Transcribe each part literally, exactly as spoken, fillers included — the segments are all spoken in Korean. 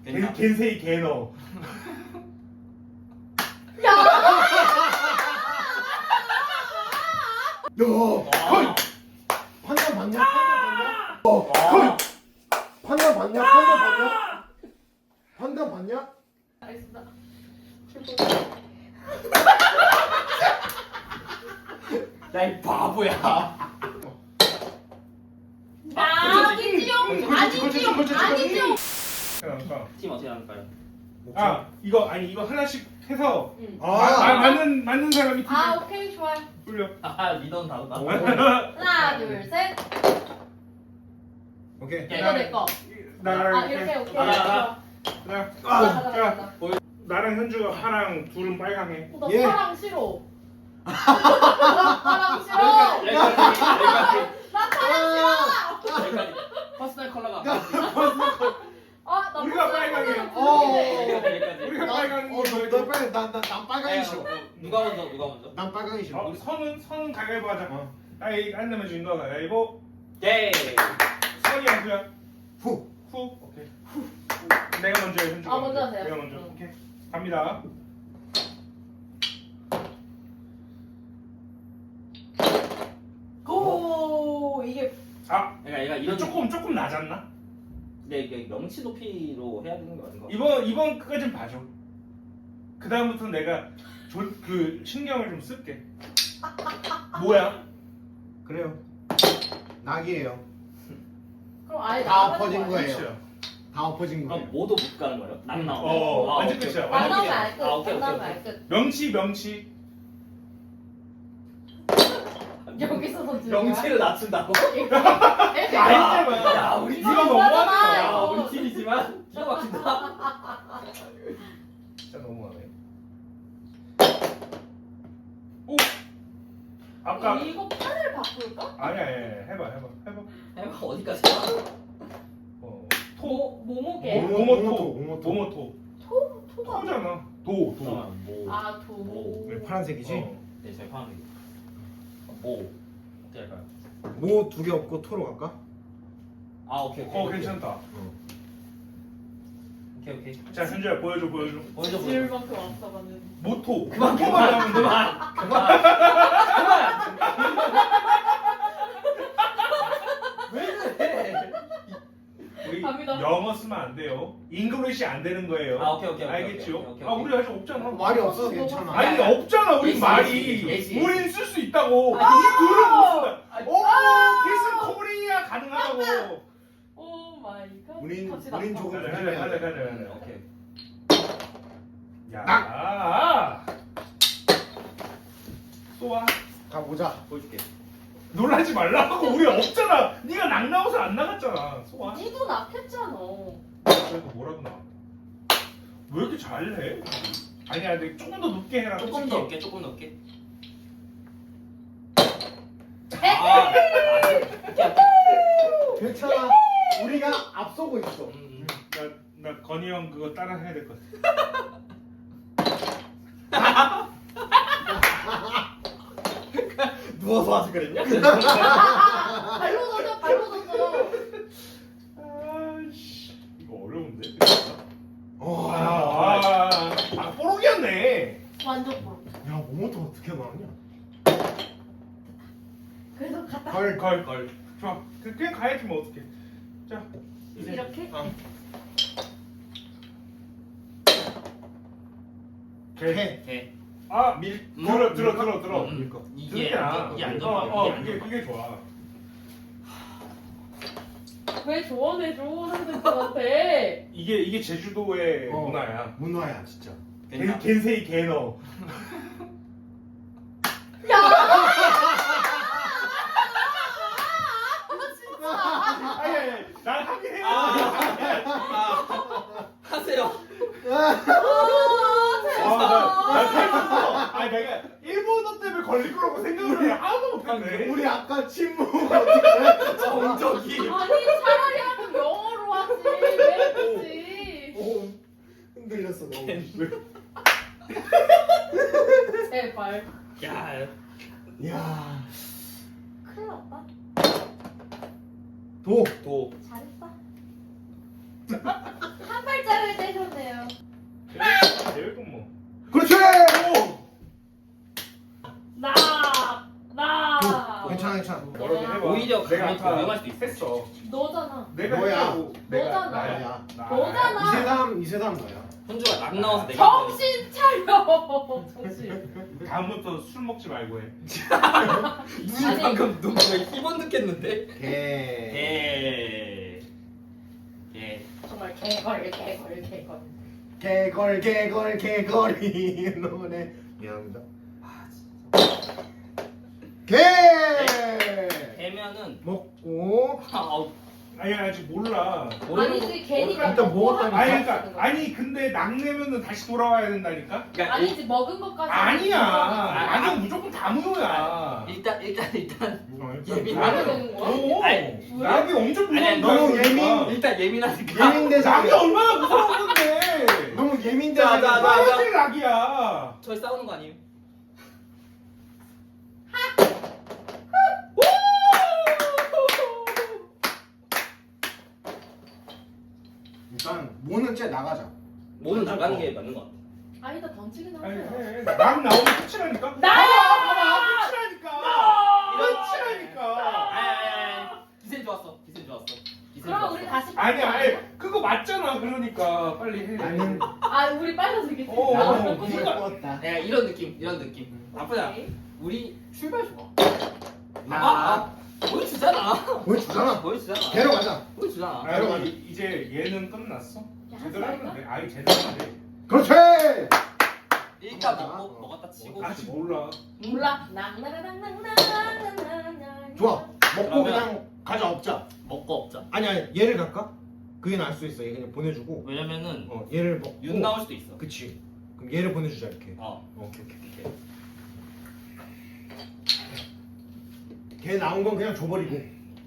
겐, 겐세이 개너. 야! 야, 거의 판단 봤냐? 판단 봤냐? 어, 거의 판단 봤냐? 판단 봤냐? 판단 봤냐? 알겠습니다. 야 이 바보야. 아니지용! 아니지용! 아니지용! 그러니까. 팀 어떻게 나눌까요? 아 이거 아니 이거 하나씩 해서 응. 아, 마, 마, 맞는 맞는 사람이 팀 아 오케이 좋아요. 돌려. 아 리더는 다르다. 오. 하나 둘 셋. 오케이. 이거 내 거. 나랑 아 이렇게 오케이. 아, 좋아. 나 가자 가자 자, 가자. 나랑 현주가 파랑 둘은 빨강해. 어, 나 예. 파랑 싫어. 나 파랑 싫어. 여기까지 여기까지 나 파랑 싫어. 여기까지. 퍼스널 컬러가. 아, 나 우리가 파랑 빨강해. 컬러는 어. 보이네. 여기까지 여기까지. 우리가 빨강. 어, 너, 너 빨리 난난 빨강이 싫어. 누가 먼저 누가 먼저? 난 빨강이 싫어. 어, 선은 선은 가위바위보 하자. 어. 나이 안 내면 진 거가 가위바위보. 예. 선이 양수야. 후. 후. 오케이. 후. 내가 먼저 해, 현주가. 아, 먼저 하세요. 내가 먼저. 응. 오케이. 갑니다. 고 이게 아 그러니까 얘가 이거 이런 조금 조금 낮았나? 근데 이게 명치 높이로 해야 되는 거 아닌가? 이번 이번 끝까지 봐줘. 그 다음부터 내가 조, 그 신경을 좀 쓸게. 뭐야? 그래요. 낙이에요. 그럼 아예 다 나가는 엎어진 거야? 거예요. 끝이야. 다 엎어진 그럼 거예요. 모두 못 가는 거예요? 낙 음, 나오면. 어, 아, 완전 오케이, 끝이야. 오케이. 안 나오면 아, 알 끝. 아, 오케이, 안 나오면 오케이, 알 끝. 명치 명치. 여기서 던지는 거야? 명치를 낮춘다고? 이렇게. 아니잖아. 야 우리 이거 팀이 너무하잖아, 너무하다. 야 이거. 우리 팀이지만 기가 막힌다. 진짜 너무하네. 오. 아까 이거 판을 바꿀까? 아니야, 아니야, 해봐, 해봐, 해봐. 해봐 어디까지? 어, 모 모모게. 모- 모모토, 모모토. 모모토. 토 토가. 토잖아. 도, 도. 잠깐만 뭐. 아 도. 왜 파란색이지? 어. 네, 저희 파란색 뭐 어떻게 할까요? 모 두 개 없고 토로 갈까? 아 오케이 오케이. 어, 괜찮다. 오케이 오케이. 자, 현주야 보여줘, 보여줘. 먼저 지을 보여줘. 만큼 왔어가는. 모토. 그만 모토만 그만 나오면 돼. 그만 그만 그만. 왜 그래? 우리 갑니다. 영어 쓰면 안 돼요. 잉글리시 안 되는 거예요. 아 오케이 오케이 오케이. 알겠죠? 오케이, 오케이, 아, 오케이. 우리 아직 없잖아. 말이 없어서 괜찮아. 아니, 없잖아, 우리 예시, 말이. 예시, 예시. 우린 쓸 수 있다고. 아니, 이 글을 못 쓴다. 아니, 오, 필승 코리아 가능하다고. 오 마이 갓. 우린 갑시다. 우린 조금 가자, 가자, 가자, 가자, 가자. 오케이. 야, 낙! 쏘아. 가보자. 보여줄게. 놀라지 말라고. 우리 없잖아. 네가 낙 나와서 안 나갔잖아. 쏘아. 니도 낙했잖아. 그래도 뭐라도 나. 왜 이렇게 잘해? 아니야, 근데 조금 더 높게 해라. 조금 솔직히. 더 높게 조금 더 높게. 아, 괜찮아. 우리가 앞서고 있어. 음, 나, 나 건이 형 그거 따라 해야 될 것 같아. 누워서 하지 그랬냐? 발로 던져 발로 던져. 아씨, 이거 어려운데? 어. 아, 아, 아, 뽀록이었네. 완전 볼. 야, 모모토 어떻게 나왔냐? 그래서 갔다. 걸. 걸, 걸. 좋아. 그- 그냥 가야지 뭐 어떡해. 자, 이제. 이렇게. 어. 오케이. 해. 오케이. 아, 밀. 들어, 들어, 들어, 들어. 음, 밀 거. 이게 그렇게 안전 이게 어, 안전망이야. 어, 이게 그게 안전망. 그게 좋아. 왜 조언해줘 선생님한테. 이게 이게 제주도의 어. 문화야. 문화야 진짜. 괜찮아. 겐세이 개너. 야. 진짜. 아니 아니, 아니. 난 하긴 해요. 아, 하세요. 아 아, 나, 나 재밌어. 생각했어. 아니 내가 일본어 때문에 걸릴 거라고 생각을 해. 하나도 못했네. 우리 아까 침묵 어떻게? 정적이. 아니 차라리 하면 영어로 하지 왜 그러지? 오 흔들렸어 너무. 제발. 야, 야. 큰일 났다. 도. 도. 잘했다. 한 발자를 오히려 내가 가면 더 아까 위험할 수도 있어. 했어. 너잖아. 내가 뭐야? 했다고. 내가 너잖아. 나야. 나야. 나. 너잖아. 이세담 이세담 너야. 혼주가 낙 나와서 내가 정신 차려. 정신. 다음부터 술 먹지 말고 해. 눈이 아니. 방금 눈에 희번 느꼈는데. 개. 개. 개. 정말 개걸 개걸 개걸. 개걸 개걸 개걸이 노래. 미안합니다. 아 진짜. 개. 개면은 먹고. 아, 아우. 아니 아직 몰라. 아니지 괜히 일단 먹고 먹었다니까. 아니 하는 그러니까 거야. 아니 근데 낙내면은 다시 돌아와야 된다니까. 그러니까 아니지 먹은 것까지. 아니야. 아, 낙은 무조건 다무효야. 일단 일단 일단 일단 예민. 말이 되는 거야? 오. 아니, 낙이 엄청 무서운 아니, 거야. 너무 그러니까. 예민. 일단 예민하니까. 예민대장. 낙이 얼마나 무서운 건데. 너무 자, 자, 예민대장. 자. 하얀색 낙이야. 저희 싸우는 거 아니에요? 일단 모는 째 나가자. 모는 나가는 게 맞는 것 같아. 아니다 던지긴 아니 하세요. 해. 낙 나오면 끝이라니까. 나야! 봐봐 끝이라니까. 이런 끝이라니까. 아야야야. 기세 좋았어. 기세 좋았어. 기세 그럼 좋았어. 우리 다시. 아니 아니 그거 맞잖아. 그러니까 빨리 해. 나는 아 우리 빨라서 이게. 어, 나는 어, 꿈을 그러니까. 꾸었다. 야 이런 느낌 이런 느낌. 나쁘지 않아. 오케이. 우리 출발 좋아. 나 아, 아 보여주잖아. 보여주잖아. 보여주잖아. 개로 가자. 보여주잖아. 아, 여러분 이- 이제 얘는 끝났어. 야, 제대로 하지 하면 말까? 돼. 아니 제대로 하면 돼. 그렇지. 일단 먹고 먹었다 치고. 아직 몰라. 몰라. 낭나라낭낭낭낭낭낭. 좋아. 먹고 그러면- 그냥 가자 없자. 먹고 없자. 아니 아니 얘를 갈까? 그게 나을 수 있어. 얘 그냥 보내주고. 왜냐면은 어 얘를 먹고. 윤 나올 수도 있어. 그치. 그럼 얘를 보내주자 이렇게. 어. 오케이 오케이. 이렇게. 걔 나온 건 그냥 줘버리고.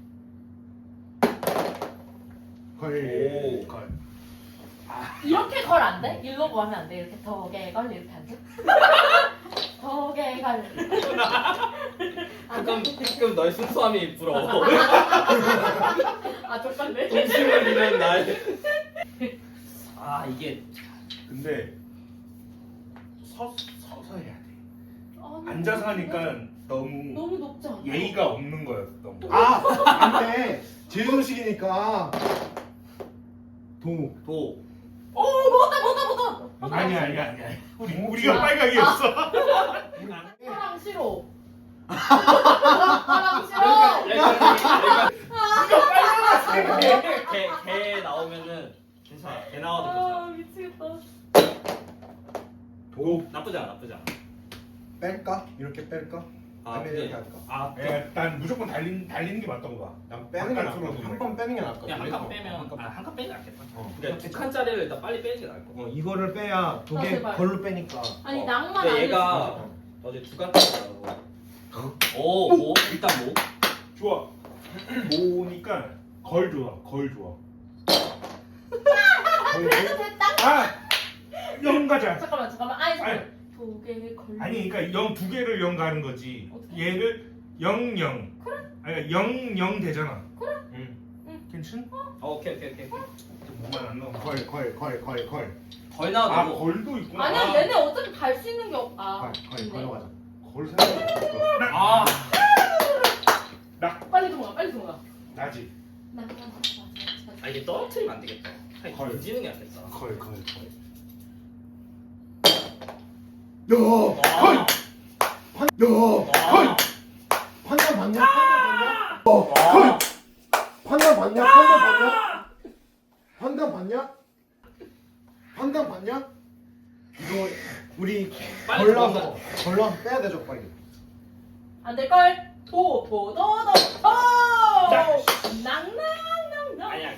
걸. 오. 걸. 이렇게 걸 안 돼? 일로 가면 안 돼? 이렇게 더게 걸 이렇게 안 돼? 더게 걸. 가끔 가끔 너의 순수함이 부러워. 아 족발네. 동심을 잃은 날. 아 이게 근데 서 서서 해야 돼. 아니, 앉아서 하니까 너무 너무 높지 않아? 예의가 없는 거야. 너무. 아 안돼. 제주도식이니까. 도. 도. 오 먹었다 먹었다 먹었다. 아니야 아니야 아니야. 우리 우리가 빨갛게 했어. 사랑 싫어. 사랑 싫어. 개개 나오면은 괜찮아. 개 나와도 괜찮아. 아 미치겠다. 도. 나쁘지 않아. 나쁘지 않아. 뺄까? 이렇게 뺄까? 아 아니면 근데 이렇게 할까? 아 예, 난 무조건 달린 달리는 게 맞다고 봐. 난 빼는 게 나을 것 바깥으로 같아. 한 번 빼는 게 나을 것 그냥 같아. 한 칸 빼면 아한 칸 빼는 게 낫겠다. 어. 그러니까 두 칸짜리를 일단 빨리 빼는 게 나을 것 같아. 어 이거를 빼야 두 아, 개 제발. 걸로 빼니까. 아니 어. 낭만 근데 아니지. 얘가 어제 두 칸짜리라고. 오, 오, 일단 뭐? 좋아. 모으니까 걸 좋아. 걸 좋아. 그래도 됐다. 아, 영 가자. 잠깐만 잠깐만. 아니 아니. 잠깐만. 두개 걸. 아니 그러니까 영 두 개를 영 가는 거지. 어떻게? 얘를 영 영. 그래. 아니 영 영 되잖아. 응. 괜찮? 어, 오케이, 오케이, 오케이. 뭐만 안 나와. 걸 걸 걸 걸 걸. 걸 아 나와도 걸도 있구나. 아니야 아, 얘네 어차피 갈 수 있는 게 없. 아. 걸 걸 있네. 걸로 가자. 걸 생각 없었어. 아, 빨리 들어가 빨리 들어가. 나지. 낭만. 아 이게 떨어뜨리면 안 되겠다. 걸. 걸 던지는 게 낫겠다. 걸 걸 걸. 야, 아, 걸. 판, 야, 걸. 아, 판단 봤냐? 판단 봤냐? 어, 걸. 판단 봤냐? 판단 봤냐? 판단 봤냐? 판단 봤냐? 이거 우리 빨리 걸러서 들어간다. 걸러서 빼야 되죠 빨리. 안될 걸. 도도도도 도. 낭낭낭낭. 아니야.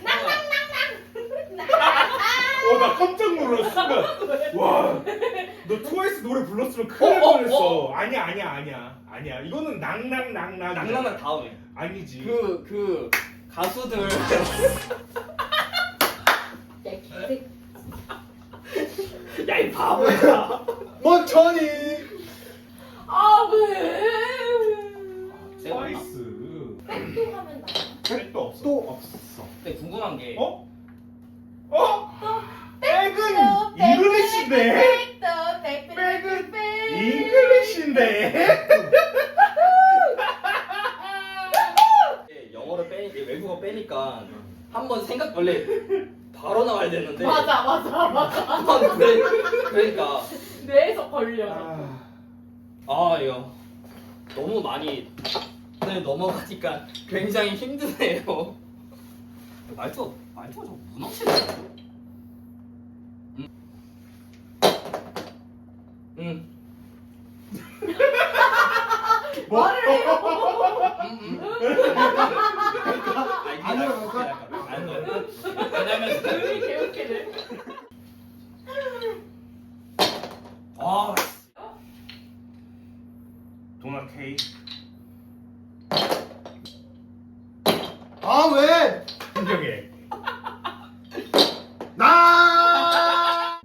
어 나 깜짝 놀랐어. 순간. 와. 너 트와이스 노래 불렀으면 큰일 날 어, 어, 뻔했어. 아니야 아니야 아니야 아니야. 이거는 낭낭낭낭. 낭낭은 다음에. 아니지. 그, 그 가수들. 야, 이 바보야. 먼천이. 아 왜? 트와이스. 백도 하면 나. 백도 없어. 또 없어. 근데 궁금한 게. 어? 어? 백은 잉글리시인데? 백도 백도 백은 백. 잉글리시인데? 원래는 원래 바로 나와야 되는데. 맞아 맞아 맞아. 아, 그래, 그러니까 뇌에서 걸려. 아, 아 이거 너무 많이 네, 넘어가니까 굉장히 힘드네요. 말투 말투가 좀 무너지네. 응. 응. 뭐? 말을 해요. 응. 응. 안 들어갈까? 안 들어갈까? 왜냐면 우리 개웃기네. 아 도넛 K. 아 왜? 신경해. 나.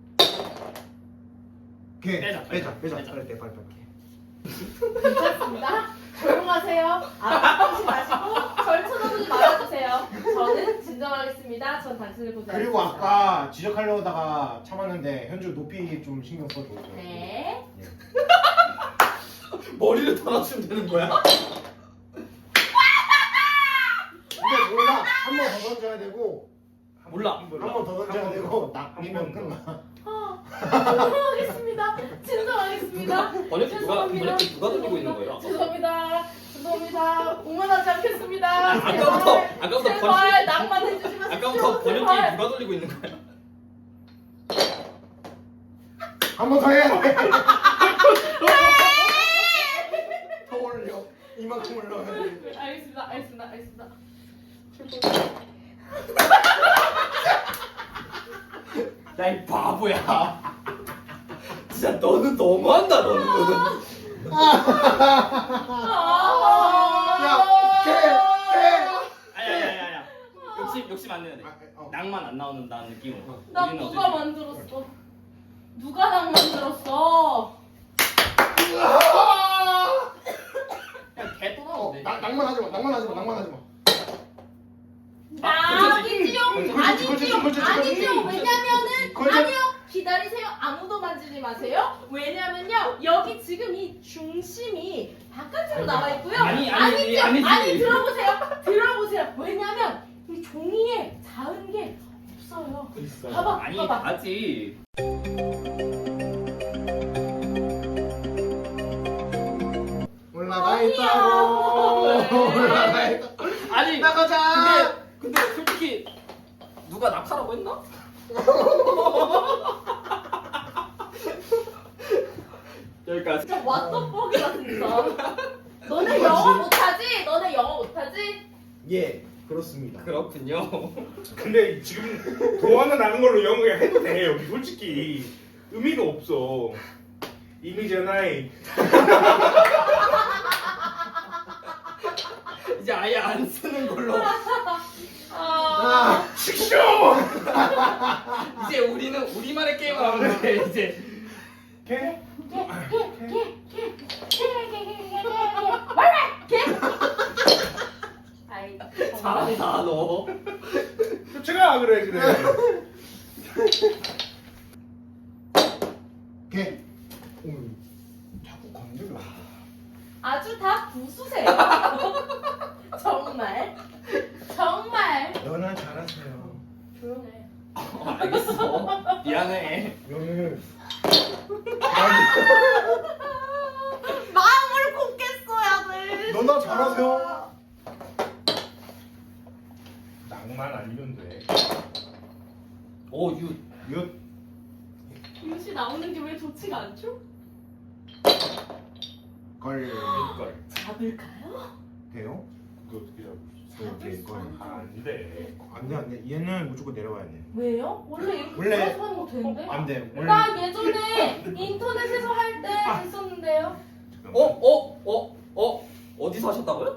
오케이. 빼자, 빼자, 빼자. 빼자. 빨리 빼, 빨리 빼. 괜찮습니다. 조용하세요. 아무것도 마시고 절 쳐다보지 말아주세요. 저는 진정하겠습니다. 전 당신을 보지 그리고 않습니다. 아까 지적하려다가 참았는데 현주 높이 좀 신경 써줘. 네. 머리를 달아주면 되는 거야? 근데 몰라. 한 번 더 던져야 되고 몰라. 한 번 더 던져야 되고 낚이면 끝나. 아, 진정하겠습니다. 진정하겠습니다. 번역기 누가 번역기 누가 돌리고 있는 거예요? 죄송합니다. 죄송합니다. 오만하지 않겠습니다. 아까부터 제발, 아까부터 제발 번역 낭만 해주지 마십시오. 아까부터 번역기 제발. 누가 돌리고 있는 거야? 한 번 더 해야 돼. 더 올려. 이만큼 올려야 돼. 알겠습니다. 알겠습니다. 알겠습니다. 야 이 바보야. 진짜 너는 너무한다 너는 너는. 아, 개, 개. 아야야야야. 욕심 욕심 안 내야 돼. 아, 어. 낭만 안 나오는다는 느낌으로. 나 우리는 누가 어쨌든- 만들었어? 누가 낭 만들었어? 그냥 개 어, 떠나는데. 낭- 낭만하지 마, 낭만하지 마, 낭만하지 마. 아니지요. 걸치지, 걸치지, 아니지요. 걸치지, 아니지요. 걸치지. 왜냐면은 걸쳐. 아니요. 기다리세요. 아무도 만지지 마세요. 왜냐면요. 여기 지금 이 중심이 바깥으로 나와 있고요. 아니, 아니지, 아니죠. 아니지. 아니 들어보세요. 들어보세요. 왜냐면 이 종이에 닿은 게 없어요. 있어. 봐봐. 아니 봐봐. 아직. 올라가 있다고. 올라가 있다. 아니 나가자. 근데 근데 솔직히 누가 낙하라고 했나? 여기까지. 진짜 왓더뻑이다 진짜. 너네 영어 못하지? 너네 영어 못하지? 예, 그렇습니다. 그렇군요. 근데 지금 동화는 나는 걸로 영어 그냥 해도 돼. 여기 솔직히 의미가 없어. 이미잖아이. 이제 아예 안 쓰는 걸로. 아, 아, 식쇼. 이제 우리는 우리만의 게임을 하면 돼 이제. 개? 아이, 잘한다 너. 쫓아가 그래 그래. 개. 오, 자꾸 건드려. 아주 다 부수세요. 정말, 정말 연하 잘하세요. 조용해. 어, 알겠어. 미안해. 연을. 마음을 곱게 써야 돼. 너나 잘하세요. 낭만 아니면 돼. 오 유. 윷. 윤씨 나오는 게 왜 좋지가 않죠? 걸. 걸. 잡을까요? 돼요? 그거 어떻게 잡을 수 그렇게 잡을 수 걸. 없는 있어? 안 돼. 안돼 안돼. 얘는 무조건 내려와야 돼. 왜요? 원래 이렇게 원래- 들어서 하는 거 되는데? 안돼. 원래. 나 예전에 인터넷에서 할 때 했었는데요. 어? 어? 어? 어? 어디서 하셨다고요?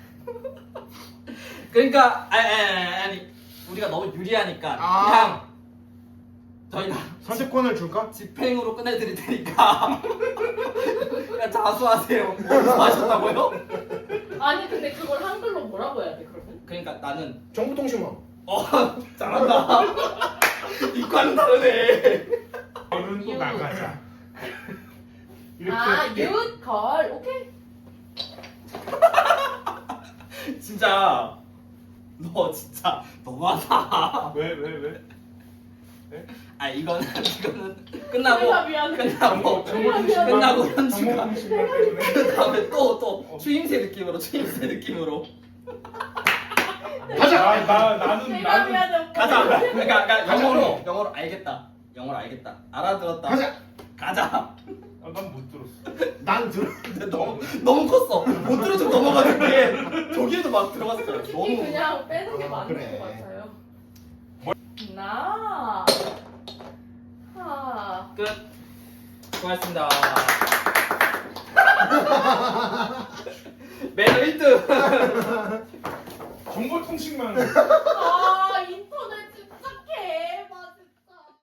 그러니까 아니, 아니, 아니 우리가 너무 유리하니까 아. 그냥 저희가 선택권을 줄까? 집행으로 끝내드릴 테니까 그냥 자수하세요. 어디서 하셨다고요? 아니 근데 그걸 한글로 뭐라고 해야 돼 그러면? 그러니까 나는 정보통신원. 어 잘한다. 이과는 다르네. 너는 또 유. 나가자. 이렇게. 아, 윷, 걸, 오케이. 진짜 너 진짜 너무하다. 왜 왜 왜? 아 이거는 이거는 끝나고 내가 미안해. 끝나고 정보 미안, 통신만 끝나고 정보 현지가 통신만 때문에. 그 다음에 또 또 어. 추임새 느낌으로 추임새 느낌으로 가자. 아, 나 나는 내가 나는 미안해. 오빠. 가자. 그러니까, 그러니까 가자. 영어로 영어로 알겠다. 영어로 알겠다. 알아들었다. 가자. 가자. 아, 난 못 들었어. 난 들어. 근데 너무 너무 컸어. 못 들어서 넘어가는 게 저기에도 막 들어갔어요. 솔직히 너무 그냥 빼는 게 아, 맞는 그래. 것 같아요. 나. 하. 끝. 수고하셨습니다. 매너 일 등. 정보 통신만